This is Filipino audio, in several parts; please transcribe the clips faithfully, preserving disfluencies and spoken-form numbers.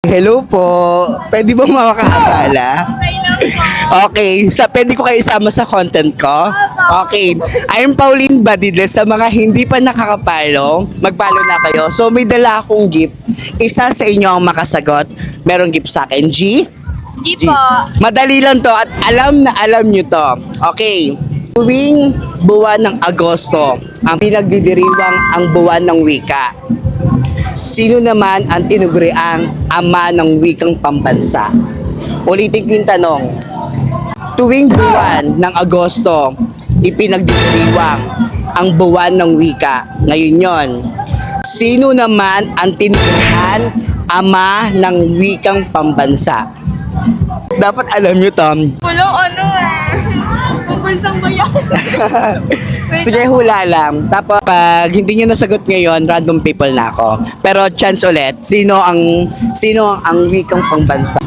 Hello po. Pwede ba makakaabala? Okay lang po. Okay. Sa, pwede ko kayo isama sa content ko? Okay. I'm Pauline Badidles. Sa mga hindi pa nakakapalo, magpalo na kayo. So may dala akong gift. Isa sa inyo ang makasagot. Merong gift sa akin. G? Di G. po. Madali lang to at alam na alam nyo to. Okay. Tuwing buwan ng Agosto, ang pinagdidiriwang ang buwan ng wika. Sino naman ang tinuguriang ama ng wikang pambansa? Ulitin ko yung tanong. Tuwing buwan ng Agosto, ipinagdiriwang ang buwan ng wika. Ngayon yon. Sino naman ang tinuguriang ama ng wikang pambansa? Dapat alam nyo, Tom. Walang ano eh. Pambansang bayan. Sige, hula lang. Tapos, pag hindi nyo nasagot ngayon, random people na ako. Pero chance ulit, sino ang sino ang wikang pangbansa?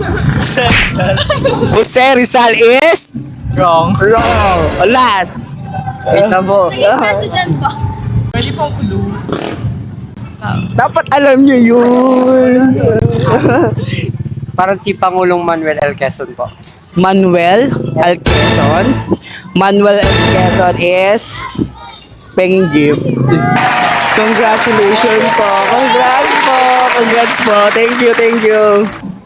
Jose Rizal is Wrong. wrong. Last. Wait na po. Naging president po. Pwede pong clue. Dapat alam nyo yun. Parang si Pangulong Manuel L. Quezon po. Manuel L. Quezon. Manuel L. Quezon is penging gift. Congratulations po. Congrats po. Congrats po. Thank you, thank you.